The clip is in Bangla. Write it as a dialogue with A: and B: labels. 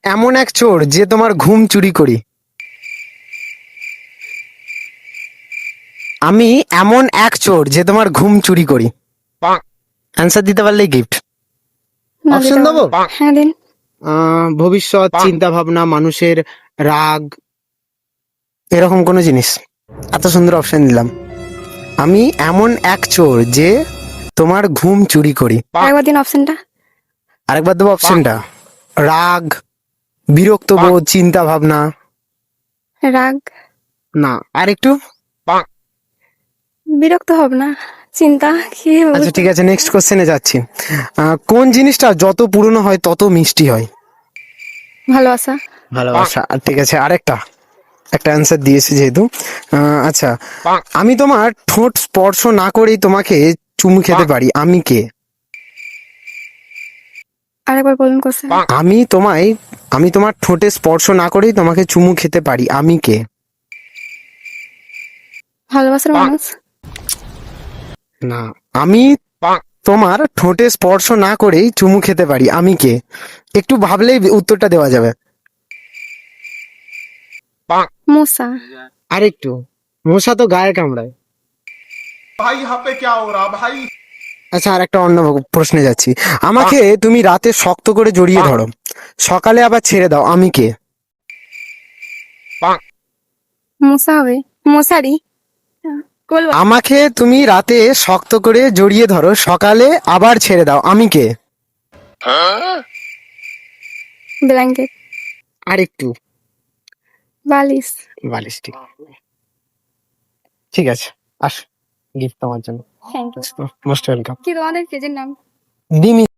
A: এমন এক চোর যে তোমার ঘুম চুরি করি। আমি এমন এক চোর যে তোমার ঘুম চুরি করি। অ্যান্সার দিতে পারলেই গিফট।
B: না,
A: অপশন
B: দিতে
A: দেবো?
B: পারবো। হ্যাঁ, দিন।
A: ভবিষ্যৎ, চিন্তা ভাবনা, মানুষের রাগ, এরকম কোনো জিনিস। এত সুন্দর অপশন দিলাম। আমি এমন এক চোর যে তোমার ঘুম চুরি করি।
B: আরেকবার দিন অপশনটা।
A: আরেকবার দেবো অপশনটা? রাগ, বিরক্ত বোধ, চিন্তা ভাবনা।
B: রাগ।
A: না, আর একটু।
B: বিরক্ত হব না, চিন্তা কি
A: আচ্ছা ঠিক আছে, নেক্সট কোশ্চেনে যাচ্ছি। কোন জিনিসটা যত পুরনো হয় তত মিষ্টি হয়?
B: ভালোবাসা।
A: ভালোবাসা। আর ঠিক আছে, আরেকটা একটা অ্যান্সার দিয়েছি যেহেতু। আচ্ছা, আমি তোমার ঠোঁট স্পর্শ না করেই তোমাকে চুমু খেতে পারি, আমি কে?
B: আরেকবার বলুন কোশ্চেন।
A: আমি তোমার ঠোঁটে স্পর্শ না করেই তোমাকে চুমু খেতে পারি, আমি কে?
B: ভালোবাসার মানুষ।
A: না, আমি তোমার ঠোঁটে স্পর্শ না করেই চুমু খেতে পারি, আমি কে? একটু ভাবলেই উত্তরটা দেওয়া যাবে।
B: মূসা।
A: আরেকটু। মশা তো গায়ে কামড়ায়।
C: भाई यहाँ पे क्या हो रहा भाई।
A: আচ্ছা, আর একটা অন্য প্রশ্নে যাচ্ছি। আমাকে তুমি রাতে শক্ত করে জড়িয়ে ধরো, সকালে আবার ছেড়ে দাও, আমি কে?
B: মূসা হবে। মশারি। বলবো?
A: আমাকে তুমি রাতে শক্ত করে জড়িয়ে ধরো, সকালে আবার ছেড়ে দাও, আমি কে?
B: ব্ল্যাঙ্কেট।
A: আরেকটু।
B: বালিশ।
A: বালিশ। ঠিক ঠিক আছে, আস, গিফট তোমার জন্য।
B: Thank you.
A: Most welcome.
B: কি তোমাদের পেজের নাম?
A: ডিমি।